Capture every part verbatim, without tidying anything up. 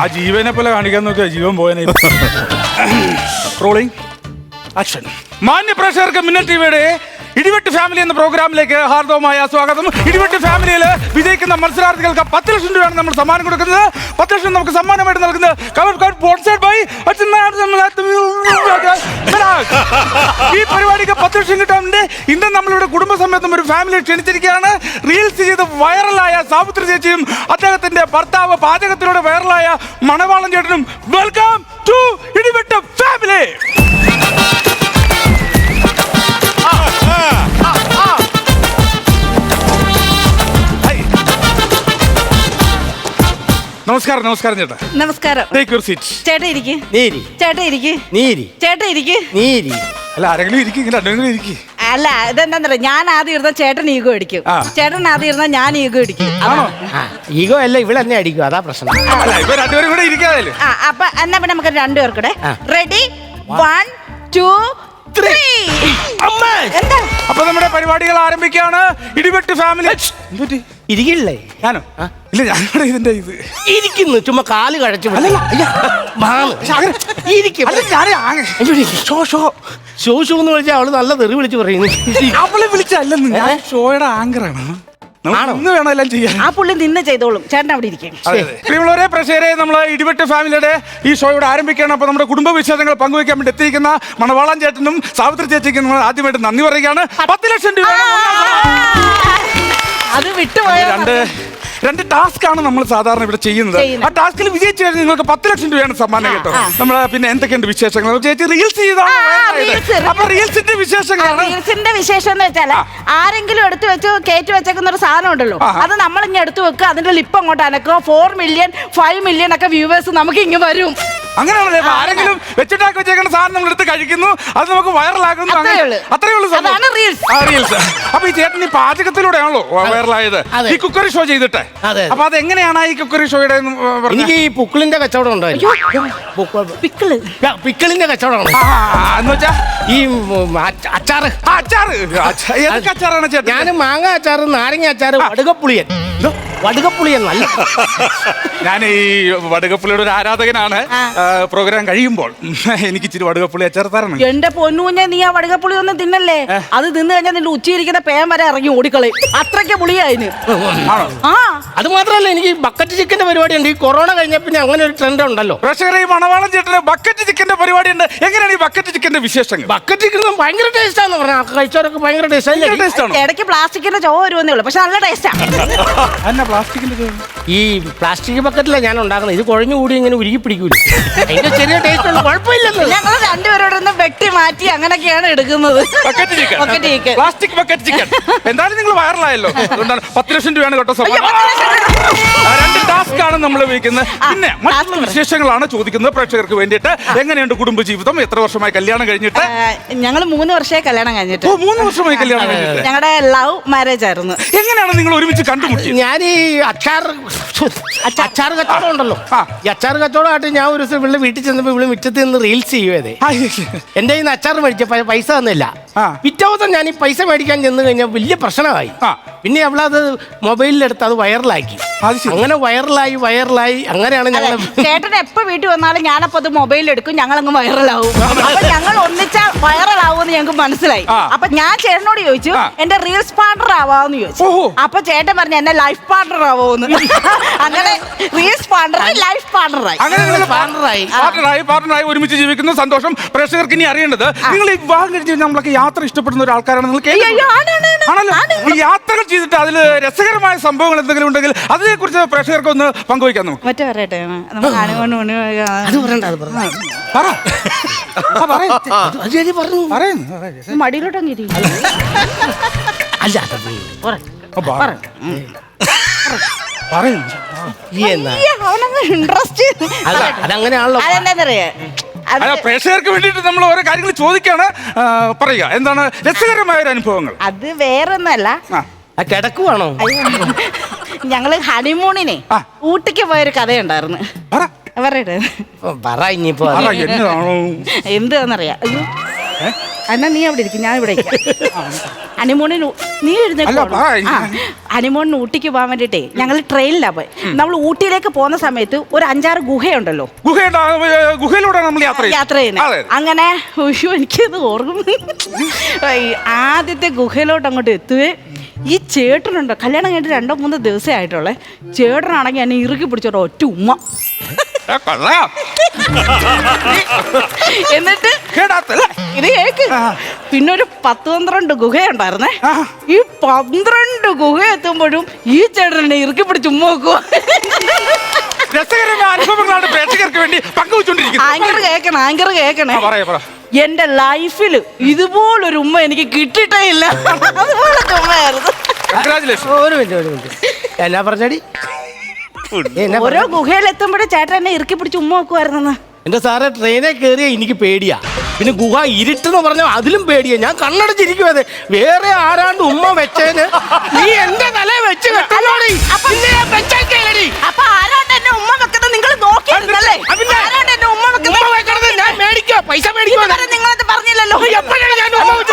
ജീവനെ പോലെ കാണിക്കാൻ നോക്കിയാ ജീവൻ പോയനെ. Rolling action. മാന്യ പ്രേക്ഷകർക്ക് മിന്നൽ ടിവിയുടെ ഇടിവെട്ട് ഫാമിലി എന്ന പ്രോഗ്രാമിലേക്ക് ഹാർദവമായ സ്വാഗതം. ഇടിവെട്ട് ഫാമിലിയിൽ വിജയിക്കുന്ന മത്സരാർത്ഥികൾക്ക് പത്ത് ലക്ഷം രൂപയാണ് നമ്മൾ സമ്മാനം കൊടുക്കുന്നത്. പത്ത് ലക്ഷം നമുക്ക് സമ്മാനമായിട്ട് നൽകുന്നത് ഈ പരിപാടിക്ക് പത്ത് ലക്ഷം കിട്ടാറുണ്ട്. ഇന്ന് നമ്മളുടെ കുടുംബസമേതം ഒരു ഫാമിലി ക്ഷണിച്ചിരിക്കുകയാണ്. റീൽസ് ചെയ്ത് വൈറലായ സാവിത്രി ചേച്ചിയും അദ്ദേഹത്തിന്റെ ഭർത്താവ് പാചകത്തിലൂടെ വൈറലായ മണവാളൻ ചേട്ടനും. വെൽക്കം ടു ഇടിവെട്ട് ഫാമിലി. നമസ്കാരം. നമസ്കാരം ചേട്ടാ. നമസ്കാരം. Take your seat. ചേട്ടാ ഇരിക്ക്. നീരി. ചേട്ടാ ഇരിക്ക്. നീരി. ചേട്ടാ ഇരിക്ക്. നീരി. അല്ല ആരെങ്കിലും ഇരിക്കും, രണ്ടെങ്കിലും ഇരിക്കും. അല്ല ഇതെന്താ, ഞാൻ ആദ്യം ഇരുന്ന ചേട്ടൻ ഈഗോ അടിക്കും, ചേട്ടൻ ആദ്യം ഇരുന്ന ഞാൻ ഈഗോ അടിക്കും. ഈഗോ അല്ല, ഇവിടെ തന്നെ അടിക്കും, അതാ പ്രശ്നം. ഇപ്പൊ രണ്ടുപേരും കൂടെ ഇരിക്കാതെ. അപ്പൊ എന്നാ പിന്നെ നമുക്ക് രണ്ടുപേർക്കൂടെ റെഡി. One two three. അപ്പൊ നമ്മുടെ പരിപാടികൾ ആരംഭിക്കുകയാണ്. ഇടിവെട്ട് ഫാമിലി. ഇരിക്കില്ലേ? ഞാനോ? ഇല്ല, ഞാനിവിടെ ഇതിന്റെ ഇത് ഇരിക്കുന്നു, ചുമ്മാ കാല് കഴച്ചു. ഷോ ഷോ എന്ന് വിളിച്ചാൽ അവള് നല്ല തെറി വിളിച്ച് പറയുന്നു. അവളെ വിളിച്ചല്ലെന്ന്, ഞാൻ ഷോയുടെ ആങ്കറാണ്. ഒന്ന് വേണം എല്ലാം ചെയ്യാൻ. ആ പുള്ളി നിന്ന് ചെയ്തോളും, ചേട്ടൻ അവിടെ ഇരിക്കും. പ്രിയമുള്ളവരെ പ്രേക്ഷകരെ, നമ്മൾ ഇടിവെട്ട് ഫാമിലിയുടെ ഈ ഷോയുടെ ആരംഭിക്കുകയാണ്. അപ്പോൾ നമ്മുടെ കുടുംബ വിശേഷങ്ങൾ പങ്കുവയ്ക്കാൻ വേണ്ടി എത്തിയിരിക്കുന്ന മണവാളൻ ചേട്ടനും സാവിത്രി ചേച്ചിക്കും നമ്മൾ ആദ്യമായിട്ട് നന്ദി പറയുകയാണ്. പത്ത് ലക്ഷം രൂപ അത് വിട്ടുപോയ രണ്ട് രണ്ട് ടാസ്ക് ആണ് നമ്മൾ സാധാരണ ഇവിടെ ചെയ്യുന്നത്. ആ ടാസ്കിൽ വിജയിച്ചു കഴിഞ്ഞാൽ നിങ്ങൾക്ക് പത്ത് ലക്ഷം രൂപയാണ് സമ്മാനം കേട്ടോ. നമ്മൾ പിന്നെ എന്തൊക്കെയുണ്ട് വിശേഷങ്ങൾ? ചേച്ചി റീൽസ് ചെയ്താണ്. അപ്പൊ റീൽസിന്റെ വിശേഷങ്ങളാണ്. റീൽസിന്റെ വിശേഷം എന്ന് വെച്ചാൽ ആരെങ്കിലും എടുത്തു വെച്ച് കയറ്റി വെച്ചേക്കുന്ന ഒരു സാധനം ഉണ്ടല്ലോ, അത് നമ്മൾ ഇങ്ങനെ എടുത്തു വെക്കുക, അതിന്റെ ലിപ്പ് അങ്ങോട്ട് അനക്കുക, ഫോർ മില്യൺ ഫൈവ് മില്യൺ ഒക്കെ വ്യൂവേഴ്സ് നമുക്ക് ഇങ്ങനെ വരും. അങ്ങനെയാണല്ലേ? ആരെങ്കിലും വെച്ചിട്ടാക്കി വെച്ചേക്കുന്ന സാധനം നമ്മൾ എടുത്ത് കഴിക്കുന്നു, അത് നമുക്ക് വൈറലാക്കുന്നു. അത്രേ ഉള്ളൂ റീൽസ്. അപ്പൊ ഈ ചേട്ടൻ ഈ പാചകത്തിലൂടെയാണല്ലോ വൈറലായത്, ഈ കുക്കറി ഷോ ചെയ്തിട്ട്. അപ്പൊ അത് എങ്ങനെയാണ് ഈ കുക്കറി ഷോയുടെ? എനിക്ക് ഈ പുക്കിളിന്റെ കച്ചവടം ഉണ്ടായിരുന്നു. പിക്കിള് പിക്കിളിന്റെ കച്ചവടം എന്ന് വെച്ചാ ഈ അച്ചാറ്. അച്ചാറ് ഏതൊക്കെ അച്ചാറാണ് ചേട്ടൻ? ഞാൻ മാങ്ങ അച്ചാറ്, നാരങ്ങ അച്ചാറ്, വടുകപ്പുളിയൻ. വടുകപ്പുളിയൻ നല്ല. ഞാൻ ഈ വടുകപ്പുളിയുടെ ഒരു ആരാധകനാണ്. പ്രോഗ്രാം കഴിയുമ്പോൾ എനിക്ക് ഇച്ചിരി വടുകപ്പുളി അച്ചാർ തരണം. എന്റെ പൊന്നുകുഞ്ഞെ, നീ ആ വടുകപ്പുളി ഒന്നും തിന്നല്ലേ. അത് തിന്നു കഴിഞ്ഞാൽ നിന്റെ ഉച്ചയിരിക്കുന്ന പേൻ വരെ ഇറങ്ങി ഓടിക്കളയും, അത്രയ്ക്ക് പുളിയായിന്. ആ അത് മാത്രമല്ല, എനിക്ക് ബക്കറ്റ് ചിക്കന്റെ പരിപാടി ഉണ്ട്. ഈ കൊറോണ കഴിഞ്ഞ പിന്നെ അങ്ങനെ ഒരു ട്രെൻഡ് ഉണ്ടല്ലോ. പ്രേക്ഷകരെ, ഈ മണവാളൻ ചേട്ടന് ബക്കറ്റ് ചിക്കന്റെ പരിപാടി ഉണ്ട്. എങ്ങനെയാണ് ഈ ബക്കറ്റ് ചിക്കന്റെ വിശേഷങ്ങൾ? ബക്കറ്റ് ചിക്കൻ ഭയങ്കര ടേസ്റ്റ് ആണെന്ന് പറഞ്ഞാൽ കഴിച്ചവരൊക്കെ ഭയങ്കര ടേസ്റ്റ്. ഇടയ്ക്ക് പ്ലാസ്റ്റിക്കിന്റെ ചോ വരുമെന്നേ ഉള്ളൂ, പക്ഷെ നല്ല ടേസ്റ്റാ. ഈ പ്ലാസ്റ്റിക് ബക്കറ്റിലെ ഞാൻ ഉണ്ടാക്കുന്നത്. ഇത് കുഴഞ്ഞു കൂടി ഇങ്ങനെ ഉരുകി പിടിക്കൂല. അതിന്റെ ചെറിയ ടേസ്റ്റ് ഉണ്ട്, കുഴപ്പമില്ലല്ലോ. ഞങ്ങൾ രണ്ടുപേരോടൊന്ന് വെട്ടി മാറ്റി അങ്ങനെയൊക്കെയാണ് എടുക്കുന്നത്. പ്ലാസ്റ്റിക് ബക്കറ്റ് ചിക്കൻ എന്തായാലും നിങ്ങൾ വൈറലായല്ലോ, അതുകൊണ്ടാണ് പത്ത് ലക്ഷം രൂപയാണ് കേട്ടോ സമ്മാനം. രണ്ട് ടാസ്ക് ആണ് നമ്മൾ ഉപയോഗിക്കുന്നത്. പിന്നെ മറ്റുള്ള വിശേഷങ്ങളാണ് ചോദിക്കുന്നത് പ്രേക്ഷകർക്ക് വേണ്ടിയിട്ട്. എങ്ങനെയുണ്ട് കുടുംബജീവിതം? എത്ര വർഷമായി കല്യാണം കഴിഞ്ഞിട്ട്? ഞങ്ങൾ മൂന്ന് വർഷമായി കല്യാണം കഴിഞ്ഞിട്ട്. ഓ, മൂന്ന് വർഷമായി കല്യാണം കഴിഞ്ഞിട്ട്. ഞങ്ങളുടെ ലവ് മാരേജ് ആയിരുന്നു. എങ്ങനെയാണ് നിങ്ങൾ ഒരുമിച്ച് കണ്ടുമുട്ടി? ഞാൻ ഈ അച്ചാർ അച്ചാർ കച്ചവടം ഉണ്ടല്ലോ, ഈ അച്ചാർ കച്ചവടമായിട്ട് ഞാൻ ഒരു ദിവസം ഇവിടെ വീട്ടിൽ ചെന്നപ്പോ ഇവിടെ മിറ്റത്തിൽ നിന്ന് റീൽസ് ചെയ്യുവേ. എന്റെ കയ്യിൽ നിന്ന് അച്ചാർ മേടിച്ച പൈസ തന്നില്ല. പിറ്റേ ദിവസം ഞാൻ ഈ പൈസ മേടിക്കാൻ ചെന്ന് കഴിഞ്ഞാൽ വലിയ പ്രശ്നമായി. പിന്നെ അവളത് മൊബൈലിലെടുത്ത് അത് വൈറലാക്കി. അങ്ങനെ വൈറലായി വൈറലായി അങ്ങനെയാണ് ഞങ്ങൾ. ചേട്ടൻ എപ്പോ വീട്ടിൽ വന്നാലും ഞാനപ്പോ അത് മൊബൈലിൽ എടുക്കും, ഞങ്ങളങ്ങ് വൈറലാവും. അപ്പൊ ഞങ്ങൾ ഒന്നിച്ചാ വൈറലാവുമെന്ന് ഞങ്ങൾക്ക് മനസ്സിലായി. അപ്പൊ ഞാൻ ചേട്ടനോട് ചോദിച്ചു, എന്റെ റീൽസ് പാർട്ണർ ആവാന്ന് ചോദിച്ചു. അപ്പൊ ചേട്ടൻ പറഞ്ഞു എന്നെ ലൈഫ് പാർട്ണർ ആവോന്ന്. അങ്ങനെ റീൽസ് പാർട്ണർ ലൈഫ് പാർട്ണറായി. അങ്ങനെ പാർട്ണറായി പാർട്ണറായി പാർട്ണറായി ഒരുമിച്ച് ജീവിക്കുന്ന സന്തോഷം. പ്രേക്ഷകർക്ക് ഇനി അറിയേണ്ടത്, നിങ്ങൾ ഈ വിവാഹം കഴിച്ച് നമ്മളൊക്കെ യാത്ര ഇഷ്ടപ്പെടുന്ന ഒരാൾക്കാരാണ്. നിങ്ങൾക്ക് ഈ യാത്രകൾ ചെയ്തിട്ട് അതിൽ രസകരമായ സംഭവങ്ങൾ എന്തെങ്കിലും ഉണ്ടെങ്കിൽ അതിനെ കുറിച്ച് പ്രേക്ഷകർക്ക് ഒന്ന് പങ്കുവയ്ക്കാൻ നമുക്ക്. മറ്റേ പറയട്ടെ, മടിയിലോട്ടങ്ങി ഇൻട്രസ്റ്റ്. അതങ്ങനെയാണല്ലോ. അതെന്താന്നറിയാ, പ്രേക്ഷകർക്ക് വേണ്ടിട്ട് നമ്മൾ ഓരോ കാര്യങ്ങൾ ചോദിക്കാണ്. പറയുക എന്താണ് രസകരമായ ഒരു അനുഭവങ്ങൾ? അത് വേറൊന്നല്ല, കിടക്കുവാണോ? ഞങ്ങള് ഹണിമൂണിനെ ഊട്ടിക്ക് പോയൊരു കഥയുണ്ടായിരുന്നു. പറയട്ടെ, പറ ഇനിയിപ്പോ എന്താന്നറിയാ. എന്നാ നീ അവിടെ ഇരിക്കും, ഞാൻ ഇവിടെ ഹണിമൂണിന് നീ അല്ല, വാ. ഹണിമൂണിന് ഊട്ടിക്ക് പോകാൻ വേണ്ടിട്ടേ ഞങ്ങൾ ട്രെയിനിലാ പോയി. നമ്മൾ ഊട്ടിയിലേക്ക് പോകുന്ന സമയത്ത് ഒരു അഞ്ചാറ് ഗുഹയുണ്ടല്ലോ, ഗുഹയുടെ ഗുഹയിലൂടെ നമ്മൾ യാത്ര ചെയ്യും. യാത്ര ചെയ്യുന്നത്. അങ്ങനെ ഉയ്യോ, എനിക്കത് ഓർമ്മ. ഈ ആദ്യത്തെ ഗുഹയിലോട്ട് അങ്ങോട്ട് എത്തുവേ ഈ ചേട്ടനുണ്ടോ, കല്യാണം കഴിഞ്ഞിട്ട് രണ്ടോ മൂന്നോ ദിവസമേ ആയിട്ടുള്ളേ, ചേട്ടനാണെങ്കിൽ എന്നെ ഇറുക്കി പിടിച്ചോട്ടോ ഒറ്റ ഉമ്മ. എന്നിട്ട് ഇത് കേക്ക്, പിന്നെ ഒരു പത്ത് പന്ത്രണ്ട് ഗുഹയുണ്ടായിരുന്നേ. ഈ പന്ത്രണ്ട് ഗുഹ എത്തുമ്പോഴും ഈ ചേട്ടനെ ഇറുക്കി പിടിച്ച് ഉമ്മ വെക്കുക. രസകരമായ അനുഭവങ്ങളാണ് പ്രേക്ഷകർക്ക് വേണ്ടി പങ്കുവെച്ചോണ്ടിരിക്കുന്നത്. ആങ്കർ കേക്കണേ, ആങ്കർ കേക്കണേ. എന്റെ ലൈഫിൽ ഇതുപോലൊരു ഉമ്മ എനിക്ക് കിട്ടിയിട്ടേ ഇല്ല. അതുപോലത്തെ ഉമ്മയായിരുന്നു. ഒരു മിനിറ്റ് ഒരു മിനിറ്റ് എന്നാ പറഞ്ഞടി? ഓരോ ഗുഹയിൽ എത്തുമ്പോഴേ ചേട്ടൻ എന്നെ ഇറുക്കി പിടിച്ച് ഉമ്മ വെക്കുമായിരുന്നു. എന്റെ സാറെ ട്രെയിനിൽ കയറിയ എനിക്ക് പേടിയാ. പിന്നെ ഗുഹ ഇരുട്ടെന്ന് പറഞ്ഞാൽ അതിലും പേടിയാ. ഞാൻ കണ്ണടച്ചിരിക്കും. അതെ, വേറെ ആരാണ്ട് ഉമ്മ വെച്ചേന് നീ എന്റെ തല വെച്ച് കെട്ടലോടി. അപ്പൊ ആരാണ്ട് എന്നെ ഉമ്മ വെക്കുന്നത് നിങ്ങൾ നോക്കിയിരുന്നല്ലേ? ആരാണ്ട് എന്നെ ഉമ്മ വെക്കുന്നത് ഞാൻ മേടിക്കോ, പൈസ മേടിക്കോ? നിങ്ങളത് പറഞ്ഞില്ലല്ലോ. എപ്പോഴാണ് ഞാൻ ഉമ്മ വെച്ചത്?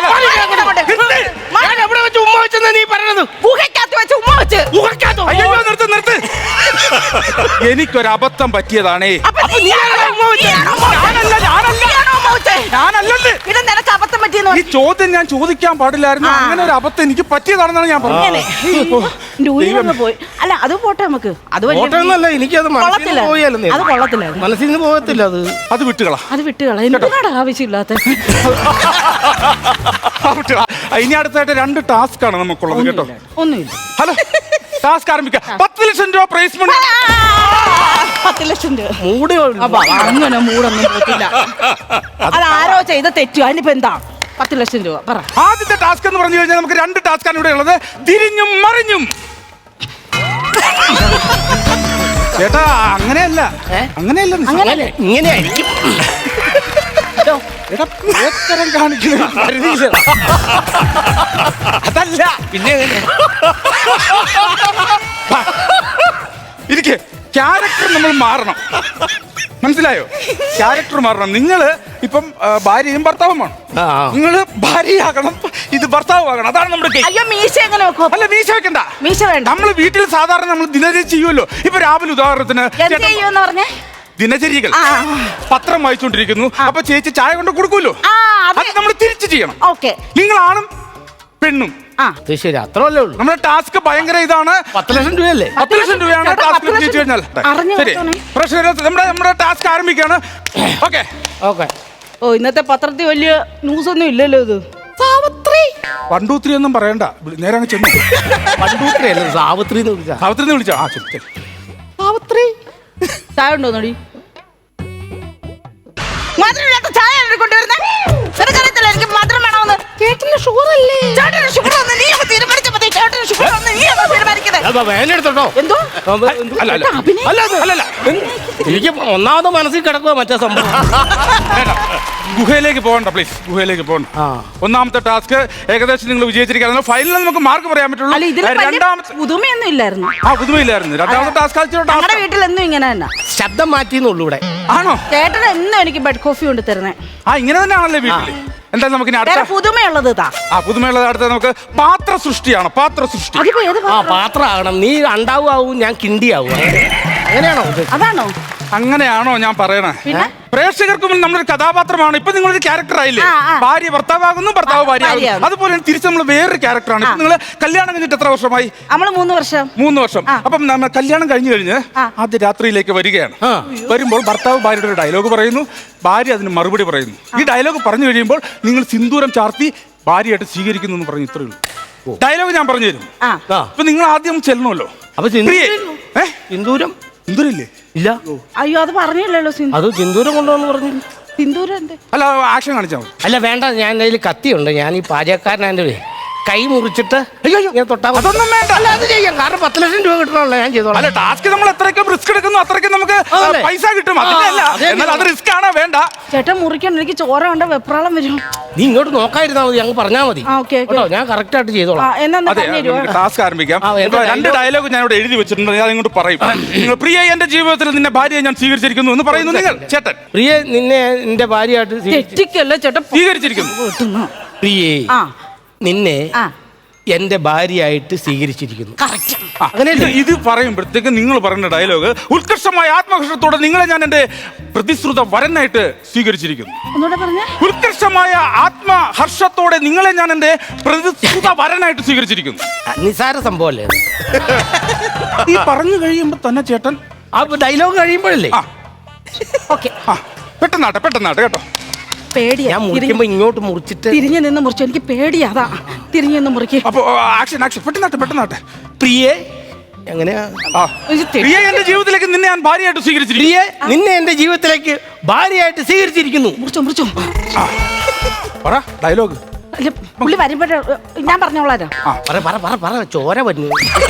ഞാൻ എവിടെ വെച്ച് ഉമ്മ വെച്ചെന്ന് നീ പറഞ്ഞത്? ഗുഹയ്ക്കകത്ത് വെച്ച് ഉമ്മ വെച്ച്. ഗുഹയ്ക്കകത്തോ? അയ്യോ, നിർത്ത് നിർത്ത്. എനിക്കൊരു അബദ്ധം പറ്റിയതാണേ. പിന്നെ നിനക്ക് അബദ്ധം പറ്റിയെന്ന് ഈ ചോദ്യം ഞാൻ ചോദിക്കാൻ പാടില്ലായിരുന്നു. അങ്ങനെ ഒരു അബദ്ധം എനിക്ക് പറ്റിയതാണെന്നാണ് ഞാൻ പറഞ്ഞത്. പോയി. അല്ല, അത് പോട്ടെ നമുക്ക്. അത് ഓട്ടമൊന്നുമല്ല, എനിക്കത് മനസ്സിൽ പോയാലും അത് കൊള്ളത്തില്ല. മനസ്സിൽ നിന്ന് പോകത്തില്ല. അത് അത് വിട്ടുകള അത് വിട്ടുകള എന്തിനാണ് ആവശ്യമില്ലാത്ത. ഇനി അടുത്തായിട്ട് രണ്ട് ടാസ്ക് ആണ് നമുക്കുള്ളത് കേട്ടോ. ഒന്നുമില്ല. ഹലോ, ടാസ്ക് ആരംഭിക്കാം. പത്ത് ലക്ഷം രൂപ പ്രൈസ് മണി. പത്ത് ലക്ഷം രൂപ മൂടി അങ്ങനെ മൂടൊന്നും പോത്തില്ല. അതാരോ ചെയ്ത തെറ്റു. അതിനിപ്പോ എന്താ? പത്ത് ലക്ഷം രൂപ പറ. ആദ്യത്തെ ടാസ്ക് എന്ന് പറഞ്ഞു കഴിഞ്ഞാൽ നമുക്ക് രണ്ട് ടാസ്ക് ആണ് ഇവിടെ ഉള്ളത്. തിരിഞ്ഞും മറിഞ്ഞും. ചേട്ടാ, അങ്ങനെയല്ല, അങ്ങനെയല്ല, ഇങ്ങനെയായിരിക്കും. അതല്ല, പിന്നെ ഇരിക്കെ ക്യാരക്ടർ നമ്മൾ മാറണം. മനസ്സിലായോ? ക്യാരക്ടർ മാറണം. നിങ്ങള് ഇപ്പം ഭാര്യയും ഭർത്താവുമാണ്. നിങ്ങള് ഭാര്യയാകണം, ഇത് ഭർത്താവാകണം. അതാണ് നമ്മുടെ. അയ്യോ, മീശ എങ്ങനെ വെക്കും? അല്ല, മീശ വെക്കണ്ട. മീശ വേണ്ട. നമ്മള് വീട്ടിൽ സാധാരണ നമ്മൾ ദിനചര്യ ചെയ്യുമല്ലോ. ഇപ്പൊ രാവിലെ ഉദാഹരണത്തിന് ദിനചര്യകൾ പത്രം വായിച്ചുകൊണ്ടിരിക്കുന്നു. അപ്പൊ ചേച്ചി ചായ കൊണ്ട് കൊടുക്കൂല്ലോ, അത് നമ്മൾ തിരിച്ചു ചെയ്യണം. നിങ്ങളാണും പെണ്ണും. ശരി, അത്രല്ലേ ഉള്ളൂ. നമ്മുടെ ടാസ്ക് ഭയങ്കര ഇതാണ്. പത്ത് ലക്ഷം രൂപയല്ലേ? പത്ത് ലക്ഷം രൂപയാണ് ടാസ്ക് ജയിച്ചു കഴിഞ്ഞാൽ. ശരി, പ്രശ്നം. നമ്മുടെ നമ്മുടെ ടാസ്ക് ആരംഭിക്കുകയാണ്. Okay okay. ഓ, ഇന്നത്തെ പത്രത്തിൽ വലിയ ന്യൂസ് ഒന്നും ഇല്ലല്ലോ. ഇത് സാവിത്രി പണ്ടൂത്രി ഒന്നും പറയണ്ട, നേരെ അങ്ങ് ചെന്നു. പണ്ടൂത്രി അല്ല, സാവിത്രി എന്ന് വിളിച്ചാ. സാവിത്രി എന്ന് വിളിച്ചാ. ആ, ശരി. സാവിത്രി ചായ ഉണ്ടോ നോടി? മധുരമില്ലാത്ത ചായ കൊണ്ടുവരുന്നേ. നിനക്കറിയത്തില്ല എനിക്ക് മധുരം വേണമെന്ന്. ചേട്ടന് ഷുഗർ അല്ലേ? ചേട്ടന് ഷുഗർ ഒന്ന് നീ ഒന്ന് തീരുമാനിച്ചാൽ മതി. ചേട്ടന് ഷുഗർ ഒന്ന് നീ ഒന്ന് തീരുമാനിക്കുന്നത്. വേനെടുത്തോട്ടോ. എന്തോ എനിക്ക് ഒന്നാമത് മനസ്സിൽ കിടക്കുക മറ്റേ സംഭവം. ഗുഹയിലേക്ക് പോകണ്ട, പ്ലീസ്. ഗുഹയിലേക്ക് പോകണ്ട. ഒന്നാമത്തെ ടാസ്ക് ഏകദേശം നിങ്ങൾ വിജയിച്ചിരിക്കുകയാണ്. ഫൈനലിൽ നമുക്ക് മാർക്ക് പറയാൻ പറ്റുള്ളൂ. രണ്ടാമത്തെ പുതുമയൊന്നും ഇല്ലായിരുന്നു. ആ, പുതുമയില്ലായിരുന്നു. രണ്ടാമത്തെ ടാസ്ക് ഞങ്ങളുടെ വീട്ടിൽ എന്നും ഇങ്ങനെ തന്നെ ശബ്ദം മാറ്റിന്നുള്ളൂ ഇവിടെ. ആണോ? ചേട്ടൻ എന്നും എനിക്ക് ബെഡ് കോഫി കൊണ്ട് തരുന്നേ. ആ, ഇങ്ങനെ തന്നെയാണല്ലേ വീട്ടില്. എന്തായാലും നമുക്ക് അടുത്ത പുതുമയുള്ളത്. ആ, പുതുമയുള്ളത് അടുത്ത നമുക്ക് പാത്ര സൃഷ്ടിയാണ്. പാത്ര സൃഷ്ടി. ആ, പാത്രമാകണം. നീ അണ്ടാവും, ഞാൻ കിണ്ടിയാവും. അങ്ങനെയാണോ? അതാണോ? അങ്ങനെയാണോ ഞാൻ പറയണേ? പ്രേക്ഷകർക്ക് മുന്നിൽ നമ്മളൊരു കഥാപാത്രമാണ്. ഇപ്പൊ നിങ്ങളൊരു ക്യാരക്ടർ ആയില്ലേ? ഭാര്യ ഭർത്താവാകുന്നു, ഭർത്താവ് ഭാര്യ. അതുപോലെ തിരിച്ച് നമ്മൾ വേറൊരു ക്യാരക്ടറാണ്. നിങ്ങൾ കല്യാണം കഴിഞ്ഞിട്ട് എത്ര വർഷമായി? നമ്മള് മൂന്ന് വർഷം. മൂന്ന് വർഷം. അപ്പം നമ്മൾ കല്യാണം കഴിഞ്ഞു കഴിഞ്ഞ് ആദ്യ രാത്രിയിലേക്ക് വരികയാണ്. വരുമ്പോൾ ഭർത്താവ് ഭാര്യയുടെ ഒരു ഡയലോഗ് പറയുന്നു, ഭാര്യ അതിന് മറുപടി പറയുന്നു. ഈ ഡയലോഗ് പറഞ്ഞു കഴിയുമ്പോൾ നിങ്ങൾ സിന്ദൂരം ചാർത്തി ഭാര്യയായിട്ട് സ്വീകരിക്കുന്നു എന്ന് പറഞ്ഞു. ഇത്രയേ ഉള്ളൂ ഡയലോഗ്. ഞാൻ പറഞ്ഞു തരും. അപ്പൊ നിങ്ങൾ ആദ്യം ചെല്ലണമല്ലോ. അപ്പൊ സിന്ദൂരം സിന്ദൂരില്ലേ? ഇല്ല. അയ്യോ, അത് പറഞ്ഞില്ലല്ലോ. അത് സിന്ദൂരം കൊണ്ടുവന്ന് പറഞ്ഞു. സിന്ദൂരം ഉണ്ട്. അല്ല, ആക്ഷൻ കാണിച്ചാൽ മതി. അല്ല, വേണ്ട. ഞാൻ അതിൽ കത്തിയുണ്ട്. ഞാൻ ഈ പാചകക്കാരനാൻ്റെ കൈ മുറിച്ചിട്ട് അയ്യോ, അയ്യോ. ഞാൻ തൊട്ടാ മതി. അതൊന്നും വേണ്ട. അല്ല അത് ചെയ്യാം, കാരണം പത്ത് ലക്ഷം രൂപ കിട്ടണമല്ലോ, ഞാൻ ചെയ്തോളാം. അല്ല ടാസ്ക് നമ്മൾ എത്രയ്ക്കും റിസ്ക് എടുക്കുന്നു അത്രയ്ക്കും നമുക്ക് അതല്ലേ? പൈസ കിട്ടും. അതിന്റെ അല്ല, അതെ. എന്നാൽ അത് റിസ്ക് ആണോ വേണ്ട. ചേട്ടൻ മുറിക്കണം, എനിക്ക് ചോര കണ്ട വെപ്രാളം വരും. നീ ഇങ്ങോട്ട് നോക്കാതിരുന്നാ മതി, അങ്ങ് പറഞ്ഞാ മതി ആ, ഓക്കേ, ഓക്കേ. കേട്ടോ, ഞാൻ കറക്റ്റ് ആയിട്ട് ചെയ്തോളാം. എന്നാ അതെ, നമുക്ക് ടാസ്ക് ആരംഭിക്കാം. ആ, എന്താ ഇപ്പൊ രണ്ട് ഡയലോഗ് ഞാൻ ഇവിടെ എഴുതി വെച്ചിട്ടുണ്ട്, ഞാൻ ഇങ്ങോട്ട് പറയും. നിങ്ങൾ പ്രിയ എന്റെ ജീവിതത്തിൽ നിന്നെ ഭാര്യയെ ഞാൻ സ്വീകരിച്ചിരിക്കുന്നു എന്ന് പറയുന്നു നിങ്ങൾ. ചേട്ടൻ പ്രിയ, നിന്നെ എന്റെ ഭാര്യയായിട്ട് സ്വീകരിച്ചു. തെറ്റിക്കല്ലേ ചേട്ടൻ സ്വീകരിച്ചിരിക്കുന്നു. കിട്ടുന്നു. പ്രിയേ, ആ നിന്നെ ആ എന്റെ ഭാര്യയായിട്ട് സ്വീകരിച്ചിരിക്കുന്നു. കറക്റ്റ്. ആ, ഇത് ഇത് പറയുമ്പോഴത്തേക്ക് നിങ്ങൾ പറയുന്ന ഡയലോഗ്, ഉത്കർഷമായ ആത്മഹർഷത്തോടെ നിങ്ങളെ ഞാൻ എന്റെ പ്രതിശ്രുത വരനായിട്ട് സ്വീകരിച്ചിരിക്കുന്നു. ഒന്നുകൂടെ പറഞ്ഞേ. ഉത്കർഷമായ ആത്മഹർഷത്തോടെ നിങ്ങളെ ഞാൻ എന്റെ പ്രതിശ്രുത വരനായിട്ട് സ്വീകരിച്ചിരിക്കുന്നു. നിസാര സംഭവല്ലേ അത്? ഈ പറഞ്ഞു കഴിയുമ്പോ തന്നെ ചേട്ടൻ ആ ഡയലോഗ് കഴിയുമ്പോഴല്ലേ ആ ഓക്കെ. ആ പെട്ടെന്നാട്ടെ പെട്ടെന്നാട്ടെ കേട്ടോ. പേടിയാ. ഞാൻ മുറിക്കുമ്പോ ഇങ്ങോട്ട് മുറിച്ചിട്ട് തിരിഞ്ഞു നിന്ന് മുറിച്ചു, എനിക്ക് പേടിയാ. അതാ തിരിഞ്ഞു നിന്ന് മുറിക്ക്. അപ്പൊ ആക്ഷൻ ആക്ഷൻ പെട്ടെന്നാട്ടെ പെട്ടെന്നാട്ടെ. പ്രിയേ, എങ്ങനെയാ? ആ ഇത് തെറ്റി. പ്രിയ എന്റെ ജീവിതത്തിലേക്ക് നിന്നെ ഞാൻ ഭാര്യയായിട്ട് സ്വീകരിച്ചിരിക്കുന്നു. പ്രിയേ, നിന്നെ എന്റെ ജീവിതത്തിലേക്ക് ഭാര്യയായിട്ട് സ്വീകരിച്ചിരിക്കുന്നു. മുറിച്ചോ മുറിച്ചോ. പറ ഡയലോഗ്. അല്ല, പുള്ളി വരുമ്പോഴേ ഞാൻ പറഞ്ഞോളാരോ. ആ, പറ പറ പറ പറ ചോര വന്നു.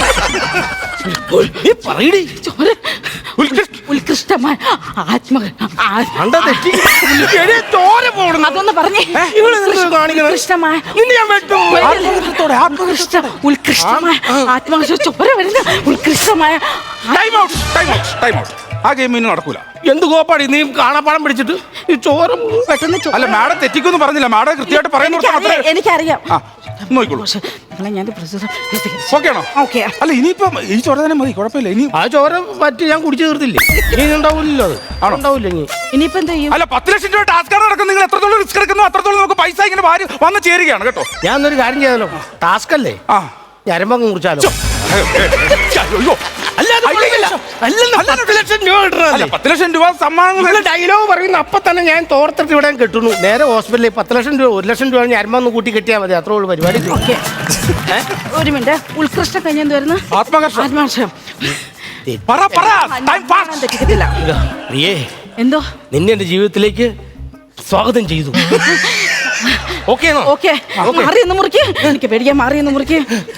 നീ പറയടി. ചോര ഉത്കൃഷ്ടമായ ആത്മ ആ- അണ്ട തെറ്റി. എടീ, ചോര പോടുന്നു. അതൊന്ന് പറഞ്ഞേ. ഇവള് എന്ത് കാണിക്കണത്? ഉത്കൃഷ്ടമായ നിന്നെ ഞാൻ വെട്ടും. ആത്മഹർഷത്തോടെ ഉത്കൃഷ്ട ഉത്കൃഷ്ടമായ ആത്മഹർഷ ചോര വരുന്ന ഉത്കൃഷ്ടമായ time out time out time out. ആ ഗെയിം ഇനി നടക്കൂല. എന്ത് കോപ്പാടി നീ കാണാപ്പാടം പിടിച്ചിട്ട് ഈ ചോര പെട്ടെന്ന് ചോ- അല്ല മാഡം തെറ്റിക്കൊന്നും പറഞ്ഞില്ല, മാഡം കൃത്യമായിട്ട് പറയുന്ന എനിക്കറിയാം, എനിക്കറിയാം. ആ നോക്കിക്കോളൂ. പക്ഷെ നിങ്ങളെ ഞാൻ പ്രൊസീജർ ഓക്കെ ആണോ? ഓക്കെ. അല്ല ഇനിയിപ്പം ഈ ചോര തന്നെ മതി, കുഴപ്പമില്ല. ഇനി ആ ചോര പറ്റി ഞാൻ കുടിച്ചു തീർത്തില്ലേ? ഇനി ഉണ്ടാവില്ലല്ലോ അത്. ആണോ? ഉണ്ടാവില്ല ഇനി. ഇനിയിപ്പോ എന്ത് ചെയ്യും? അല്ല പത്ത് ലക്ഷം രൂപ ടാസ്ക് നടക്കും. നിങ്ങൾ എത്രത്തോളം റിസ്ക് എടുക്കുന്നു അത്രത്തോളം നമുക്ക് പൈസ ഇങ്ങനെ വാരി വന്ന് ചേരുകയാണ് കേട്ടോ. ഞാൻ എന്നൊരു കാര്യം ചെയ്താലോ? ടാസ്ക് അല്ലേ, ആ ഞരമ്പങ്ങ് കുറിച്ചാലോ? അയ്യോ. അല്ലാതെ കുഴപ്പമില്ല. അല്ലെന്ന് പത്ത് ലക്ഷം രൂപ കിട്ടണല്ലേ? അല്ല പത്ത് ലക്ഷം രൂപ സമ്മാനം. ഡയലോഗ് പറയുന്ന അപ്പൊ തന്നെ ഞാൻ തോർത്തിട്ട് ഇവിടെ കിട്ടുന്നു. നേരെ ഹോസ്പിറ്റലിൽ പത്ത് ലക്ഷം രൂപ ഒരു ലക്ഷം രൂപ ഞരമ്പൊന്ന് കൂട്ടി കെട്ടിയാൽ മതി, അത്രേ ഉള്ളൂ പരിപാടി. ഓക്കെ. ഒരു മിനിറ്റ്. ഉത്കൃഷ്ട കഴിഞ്ഞെന്ത് വരുന്നു? ആത്മഹർഷം. ആത്മഹർഷം. പറ പറ ടൈം ഞാൻ പാസ്. തെറ്റിക്കത്തില്ല. പ്രിയേ, എന്തോ നിന്നെ എന്റെ ജീവിതത്തിലേക്ക് സ്വാഗതം ചെയ്തു. Okay okay. മാറി എന്ന് മുറിക്ക്. എനിക്ക് പേടിക്കാൻ മാറി എന്ന് മുറിക്ക്.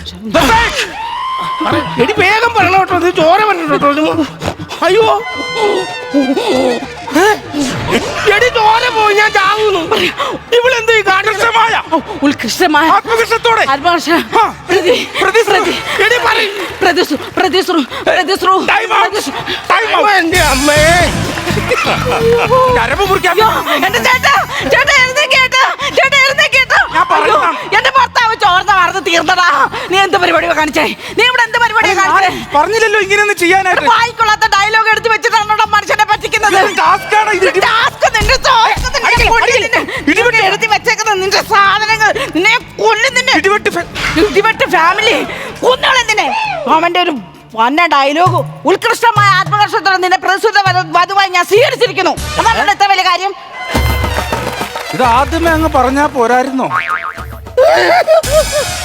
എടി വേഗം പറയണം കേട്ടോ, ഇത് ചോര പറഞ്ഞു കേട്ടോ. അയ്യോ എടി ചോര പോയി, ഞാൻ ചാവുന്നു. ഇവളെന്ത് കാണികമായ ഉത്കൃഷ്ടമായ ആത്മഹർഷത്തോടെ ആത്മഹർഷ ആ. പ്രതി പ്രതി പ്രതി എടി പറയ്. പ്രതിശ്രു പ്രതിശ്രു പ്രതിശ്രു ടൈം ഔട്ട് ടൈം ഔട്ട്. എന്റെ അമ്മേ, ഞരമ്പ് മുറിക്കാൻ അയ്യോ, എന്റെ ചേട്ടാ ചേട്ടാ എഴുന്നേക്കേട്ടാ ചേട്ടാ എഴുന്നേക്കേട്ടാ. ഞാൻ പറയുന്നതാണ്. അയ്യോ, എന്റെ ഭർത്താവ് ചോർന്ന വാർത്ത തീർന്നടാ. നീ എന്ത് പരിപാടിയാ കാണിച്ചേ? നീ ഇവിടെ എന്ത് പരിപാടിയാ കാണിച്ചേ? പറഞ്ഞില്ലല്ലോ ഇങ്ങനെയൊന്നും ചെയ്യാനായിട്ട്. വായിക്കൊള്ളാത്ത ഡയലോഗ് എടുത്ത് വെച്ചിട്ടാണോ മനുഷ്യനെ പറ്റിക്കുന്നത്? ടാസ്ക് ആണ് ഇത്. ഇത് task, നിന്റെ task, നിന്റെ കൊല്ലും നിന്നെ. ഇതൊക്കെ എഴുതി വെച്ചേക്കുന്ന നിന്റെ സാധനങ്ങൾ നിന്നെ കൊല്ലും നിന്നെ. ഇടിവെട്ട് ഫെ- ഇടിവെട്ട് ഫാമിലി കൊന്നോളെന്തിനെ? അവന്റെ ഒരു വന്ന ഡയലോഗ്, ഉത്കൃഷ്ടമായ ആത്മകർഷത്തോടെ നിന്നെ പ്രസുദ്ധ വധുവായി ഞാൻ സ്വീകരിച്ചിരിക്കുന്നു. അതാണ് എത്ര വലിയ കാര്യം. ഇത് ആദ്യമേ അങ്ങ് പറഞ്ഞാ പോരായിരുന്നോ?